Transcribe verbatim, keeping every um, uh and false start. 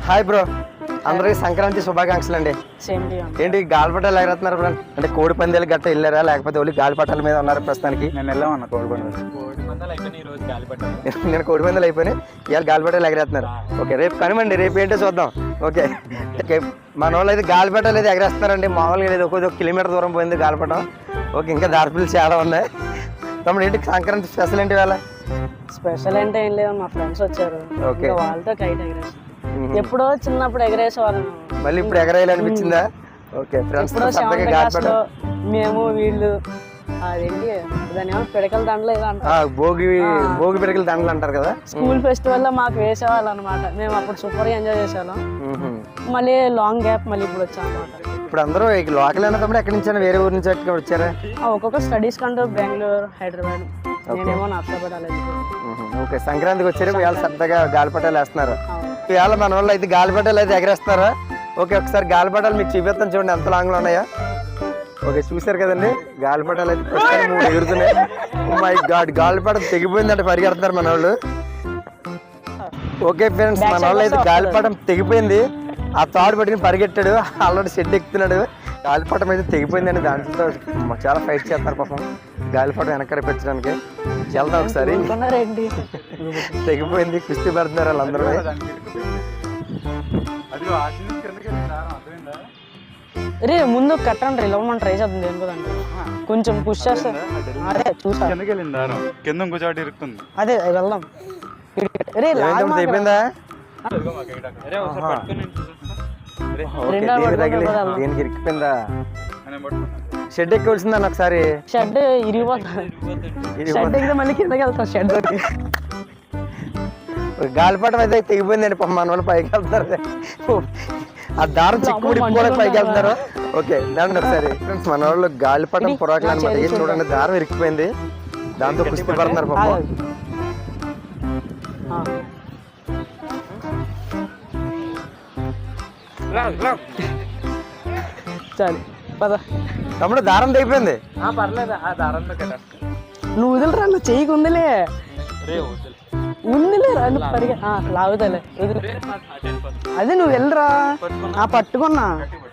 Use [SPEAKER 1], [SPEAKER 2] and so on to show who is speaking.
[SPEAKER 1] Hi bro, అందరికి సంక్రాంతి శుభాకాంక్షలు అండి. ఏంటి గాలిపటాలు ఎగరేస్తున్నారు బ్రో? అంటే కోడి పందాలు గట్ట వెళ్ళారా లేకపోతే ఓన్లీ గాలిపటాల మీద ఉన్నారు ప్రస్తుతానికి?
[SPEAKER 2] నేను వెళ్ళామన్నా కోడి పందాలు.
[SPEAKER 1] నేను కోడి పందాలు అయిపోయినాయి, ఇవాళ గాలిపటాలు ఎగరేస్తున్నారు. ఓకే, రేపు కనుమండి, రేపు ఏంటో చూద్దాం. ఓకే ఓకే, మన వాళ్ళు అయితే గాలిపటాలు అయితే ఎగరేస్తున్నారండి. మామూలుగా లేదు, ఒక కిలోమీటర్ దూరం పోయింది గాలిపటం. ఓకే, ఇంకా దారిపిల్లి చాలా ఉన్నాయి. తమ్ముడు ఏంటి సంక్రాంతి స్పెషల్ ఏంటి వేళ?
[SPEAKER 3] స్పెషల్ అంటే ఏం లేదు, మా ఫ్రెండ్స్ వచ్చారు,
[SPEAKER 1] ఓకే,
[SPEAKER 3] వాళ్ళతో కైట్ ఎగరేసి ఎప్పుడో చిన్నప్పుడు ఎగరేసే వాళ్ళం,
[SPEAKER 1] మళ్ళీ ఇప్పుడు ఎగరేయాలనిపించిందా? ఓకే, ఫ్రెండ్స్
[SPEAKER 3] మేము వీళ్ళు అదేంటి దాని ఏమో పిడకల దండలు ఏదో అంటారు,
[SPEAKER 1] భోగి భోగి పిడకల దండలు అంటారు కదా.
[SPEAKER 3] స్కూల్ ఫెస్టివల్ లో మాకు వేసేవాళ్ళు అనమాట. మేము అప్పుడు సూపర్ గా ఎంజాయ్ చేసేవాళ్ళం. మళ్ళీ లాంగ్ గ్యాప్ మళ్ళీ ఇప్పుడు వచ్చాం అనమాట.
[SPEAKER 1] ఇప్పుడు అందరూ లోకల్ అయినా తమ్ముడు ఎక్కడి నుంచి వేరే ఊరు నుంచి వచ్చారా?
[SPEAKER 3] ఒక్కొక్క స్టడీస్ కంటూ బెంగళూరు, హైదరాబాద్, నేనేమో నర్సాపేట.
[SPEAKER 1] ఓకే, సంక్రాంతికి వచ్చారు, ఇవాళ సరదాగా గాలిపటాలు వేస్తున్నారు. ఇవాళ మన వాళ్ళు అయితే గాలిపటాలు అయితే ఎగరేస్తున్నారా? ఓకే, ఒకసారి గాలిపటాలు మీకు చూపిస్తాను, చూడండి ఎంత లాంగ్ లో ఉన్నాయా. ఓకే, చూసారు కదండి, గాలిపటాలు అయితే ప్రస్తుతం మూడు ఎగురుతున్నాయి. మై గాడ్, గాలిపటం తెగిపోయిందంటే పరిగెడుతున్నారు మన వాళ్ళు. ఓకే ఫ్రెండ్స్, మన వాళ్ళు అయితే గాలిపటం తెగిపోయింది, ఆ తాడు పట్టుకుని పరిగెట్టాడు, ఆల్రెడీ షెడ్ ఎక్కుతున్నాడు. గాలిపటం అయితే తెగిపోయిందండి, దాంట్లో చాలా ఫైట్ చేస్తారు పాపం గాలిపటం వెనక పెట్టడానికి. వెళ్దాం ఒకసారి. తెగిపోయింది, కుస్తీ పడుతున్నారు వాళ్ళందరూ.
[SPEAKER 3] రే ముందు కట్టండి, ఇవ్వమని ట్రై చేద్దాం దేని కదండి, కొంచెం పుష్ చేస్తా. అదే చూసా
[SPEAKER 2] కింద ఇంకోటి ఇరుక్కుంది,
[SPEAKER 3] అదే వెళ్దాం.
[SPEAKER 1] తెగిపోయిందా? దీనికి ఇరికిపోయిందా? షెడ్ ఎక్కవలసిందని ఒకసారి.
[SPEAKER 3] షెడ్ ఇరిగిపోతుంది, షెడ్ ఎక్కితే మళ్ళీ కిందకి వెళ్తాం. షెడ్
[SPEAKER 1] గాలిపటం అయితే తెగిపోయిందండి, మన వాళ్ళు పైకి వెళ్తారు, ఆ దారం చిక్కుబడి కూడా పైకి వెళ్తారు. ఓకే, దాంట్లో ఒకసారి ఫ్రెండ్స్ మన వాళ్ళు గాలిపటం పొరాకులు అనమాట. ఏం చూడండి, దారం ఇరికిపోయింది, దాంతో కుస్తీ పడుతున్నారు పాపం.
[SPEAKER 3] చాలు పద
[SPEAKER 1] తమ్ముడు, దారం తెగిపోయింది.
[SPEAKER 3] పర్లేదు, ఆ దారంతో నువ్వు వదిలిరా, నువ్వు చెయ్యికి ఉందిలే, ఉందిలే రండి పరిగె లాగుతలే. అదే నువ్వు వెళ్ళరా, పట్టుకున్నా.